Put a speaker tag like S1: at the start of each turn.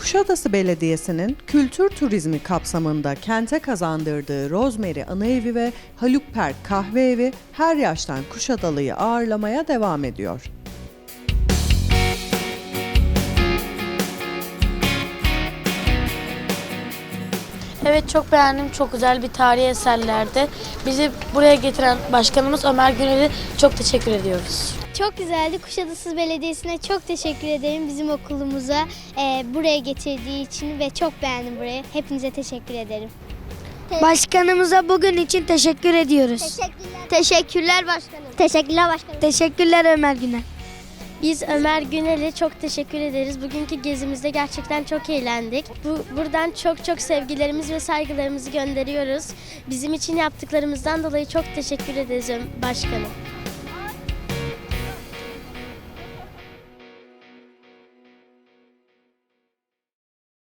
S1: Kuşadası Belediyesi'nin kültür turizmi kapsamında kente kazandırdığı Rosemary Anıevi ve Haluk Perk Kahve Evi her yaştan Kuşadalı'yı ağırlamaya devam ediyor.
S2: Evet, çok beğendim. Çok güzel bir tarihi eserlerdi. Bizi buraya getiren başkanımız Ömer Günel'e çok teşekkür ediyoruz.
S3: Çok güzeldi. Kuşadası Belediyesi'ne çok teşekkür ederim bizim okulumuza buraya getirdiği için ve çok beğendim burayı. Hepinize teşekkür ederim.
S4: Başkanımıza bugün için teşekkür ediyoruz.
S3: Teşekkürler başkanım. Teşekkürler başkanım.
S4: Teşekkürler Ömer Günel.
S2: Biz Ömer Günel'e çok teşekkür ederiz. Bugünkü gezimizde gerçekten çok eğlendik. Buradan çok sevgilerimizi ve saygılarımızı gönderiyoruz. Bizim için yaptıklarımızdan dolayı çok teşekkür ederiz başkanım.